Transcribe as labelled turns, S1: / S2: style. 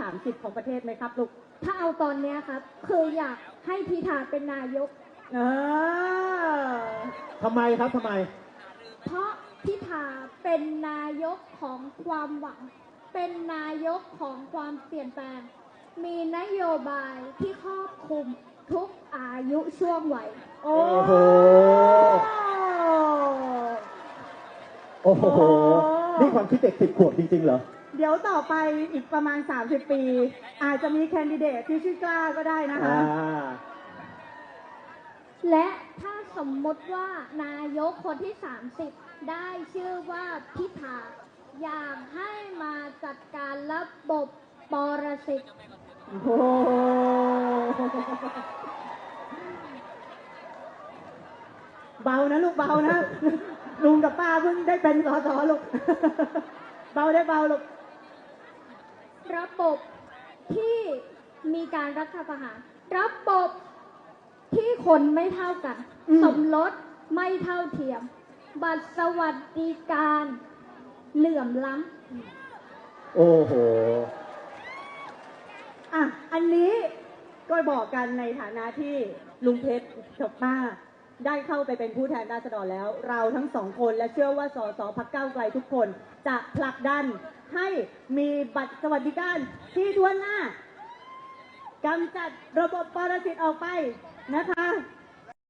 S1: 30ของประเทศไหมครับลูก
S2: ถ้าเอาตอนนี้ครับคืออยากให้พิธาเป็นนายก
S3: ทำไมครับทำไม
S2: เพราะพิธาเป็นนายกของความหวังเป็นนายกของความเปลี่ยนแปลงมีนโยบายที่ครอบคลุมทุกอายุช่วงวัย
S3: โอ้โหโอ้โหนี่ความคิดเด็ก10 ขวบจริงๆเหรอ
S1: เดี๋ยวต่อไปอีกประมาณ30 ปีอาจจะมีแคนดิเดตที่ชื่อกล้าก็ได้นะคะ
S2: และถ้าสมมติว่านายกคนที่30ได้ชื่อว่าพิธาอยากให้มาจัดการระบบปรสิต
S1: เบานะลูกเบานะลุงกับป้าเพิ่งได้เป็นสสลูกเบาได้เบาลูก
S2: ระบบที่มีการรัฐประหารระบบที่คนไม่เท่ากันสมรสไม่เท่าเทียมบัตรสวัสดิการเหลื่อมล้
S3: ำโอ้โห
S1: อันนี้ก็บอกกันในฐานะที่ลุงเพชรกับป้าได้เข้าไปเป็นผู้แทนราษฎรแล้วเราทั้งสองคนและเชื่อว่าสสพรรคก้าวไกลทุกคนจะผลักดันให้มีบัตรสวัสดิการที่ทั่วหน้ากำจัดระบบปรสิตออกไปนะคะ